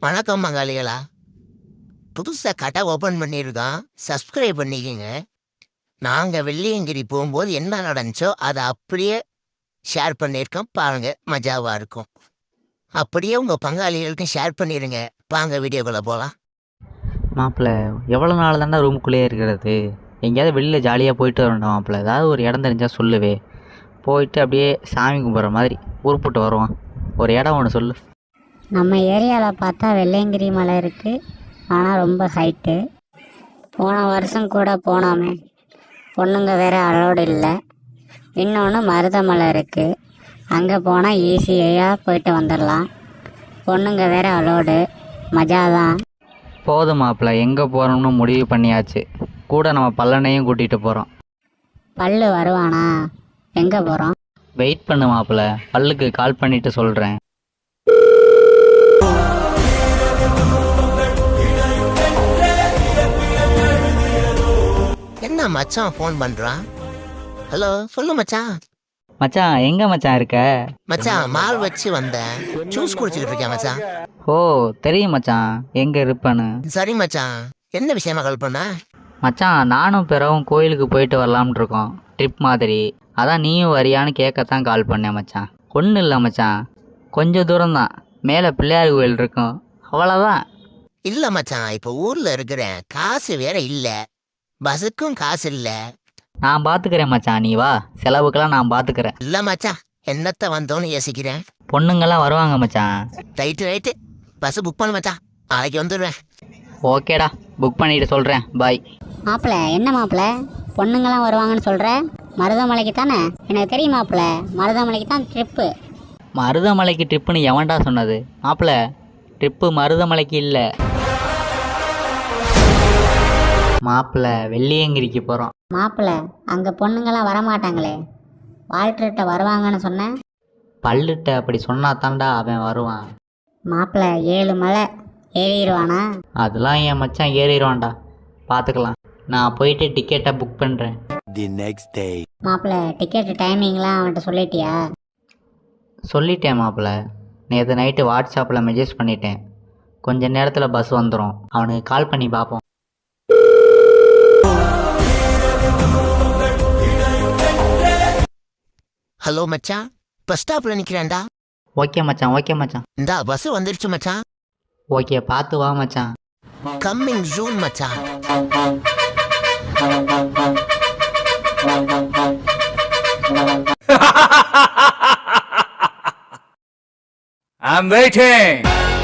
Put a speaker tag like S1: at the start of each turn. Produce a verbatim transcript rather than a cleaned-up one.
S1: வணக்கம் மங்காளிகளா. புதுசாக கடை ஓப்பன் பண்ணியிருக்கோம், சப்ஸ்கிரைப் பண்ணிக்கோங்க. நாங்கள் வெள்ளியங்கிரி போகும்போது என்ன நடந்துச்சோ அதை அப்படியே ஷேர் பண்ணியிருக்கோம், பாருங்க, மஜாவாக இருக்கும். அப்படியே உங்கள் பங்காளிகளுக்கும் ஷேர் பண்ணிடுங்க. வாங்க வீடியோக்குள்ளே போகலாம்.
S2: மாப்பிள்ள எவ்வளோ நாள் தானே ரூமுக்குள்ளேயே இருக்கிறது? எங்கேயாவது வெளியில் ஜாலியாக போயிட்டு வரணும் மாப்பிள்ள. ஏதாவது ஒரு இடம் தெரிஞ்சால் சொல்லுவே, போயிட்டு அப்படியே சாமி கும்பிட்ற மாதிரி உருப்பிட்டு வருவான். ஒரு இடம் ஒன்று சொல்லு.
S3: நம்ம ஏரியாவில் பார்த்தா வெள்ளையங்கிரி மலை இருக்குது, ஆனால் ரொம்ப ஹைட்டு. போன வருஷம் கூட போனோமே, பொண்ணுங்க வேறு அலோடு இல்லை. இன்னொன்று மருதமலை இருக்குது, அங்கே போனால் ஈஸியாக போயிட்டு வந்துடலாம். பொண்ணுங்க வேறு அலோடு, மஜா தான்.
S2: போதும் மாப்பிள்ள, எங்கே போகிறோம்னு முடிவு பண்ணியாச்சு. கூட நம்ம பல்லனையும் கூட்டிகிட்டு போகிறோம்.
S3: பல்லு வருவானா? எங்கே போகிறோம்?
S2: வெயிட் பண்ணு மாப்பிள்ள, பல்லுக்கு கால் பண்ணிவிட்டு சொல்கிறேன்.
S1: என்ன மச்சான் ஃபோன் பண்ணுறான்? ஹலோ, சொல்லு மச்சான்.
S2: மச்சான் எங்கே மச்சான் இருக்க?
S1: மச்சான் மால் வச்சு வந்தேன், ஜூஸ் குடிச்சிக்கிட்டு இருக்கேன் மச்சான்.
S2: ஓ தெரியும் மச்சான் எங்கே இருப்பேன்னு.
S1: சரி மச்சான், என்ன விஷயமா கால் பண்ண?
S2: மச்சான் நானும் பிறவும் கோயிலுக்கு போயிட்டு வரலாம்னு இருக்கோம், ட்ரிப் மாதிரி. அதான் நீயும் வரியான்னு கேட்கத்தான் கால் பண்ணேன் மச்சான். ஒன்றும் இல்லை மச்சான், கொஞ்சம் தூரம்தான், மேலே பிள்ளையார் கோயில் இருக்கும், அவ்வளோதான்.
S1: இல்லை மச்சான், இப்போ ஊரில் இருக்கிறேன், காசு வேற இல்லை, பஸ்ஸுக்கும் காசு இல்லை.
S2: நான் பார்த்துக்கிறேன் மச்சான், நீ வா, செலவுக்கெல்லாம் நான் பார்த்துக்கிறேன்.
S1: இல்லை மச்சான், என்னத்தை வந்தோன்னு யோசிக்கிறேன்.
S2: பொண்ணுங்கெல்லாம் வருவாங்க மச்சான்.
S1: ரைட்டு ரைட்டு, பஸ்ஸு புக் பண்ணு மச்சான், நாளைக்கு வந்துடுவேன்.
S2: ஓகேடா, புக் பண்ணிட்டு சொல்கிறேன், பாய்.
S3: மாப்பிள்ள என்ன மாப்பிள்ள, பொண்ணுங்களாம் வருவாங்கன்னு சொல்கிற? மருதமலைக்கு தானே? எனக்கு தெரியும் மாப்பிள்ள, மருதமலைக்கு தான் ட்ரிப்பு.
S2: மருதமலைக்கு ட்ரிப்புன்னு எவன்டா சொன்னது? மாப்பிள்ள ட்ரிப்பு மருதமலைக்கு இல்லை மாப்பிள்ள, வெள்ளியங்கிரிக்கு போகிறோம்.
S3: மாப்பிள்ள அங்கே பொண்ணுங்களாம் வரமாட்டாங்களே, வால்டர்கிட்ட வருவாங்கன்னு சொன்னேன்.
S2: பல்லுட்ட அப்படி சொன்னா தாண்டா அவன் வருவான்.
S3: மாப்பிள்ள ஏழு மலை ஏறிடுவானா?
S2: அதெல்லாம் என் மச்சான் ஏறிடுவான்டா, பார்த்துக்கலாம். நான் போயிட்டு டிக்கெட்டை புக் பண்ணுறேன்.
S3: மாப்பிள்ள டிக்கெட் டைமிங்லாம் அவன்கிட்ட சொல்லிட்டியா?
S2: சொல்லிட்டேன் மாப்பிள்ள, நேற்று நைட்டு வாட்ஸ்அப்பில் மெசேஜ் பண்ணிட்டேன். கொஞ்ச நேரத்தில் பஸ் வந்துடும், அவனுக்கு கால் பண்ணி பார்ப்போம்.
S1: ஹலோ மச்சான், பஸ் ஸ்டாப்பில் நிற்கிறேன்டா.
S2: ஓகே மச்சான், ஓகே மச்சான்.
S1: இந்தா பஸ் வந்துருச்சு மச்சான்.
S2: ஓகே, பார்த்து வா மச்சான்.
S1: கம்மிங் ஜூன் மச்சான்.
S4: I'm waiting.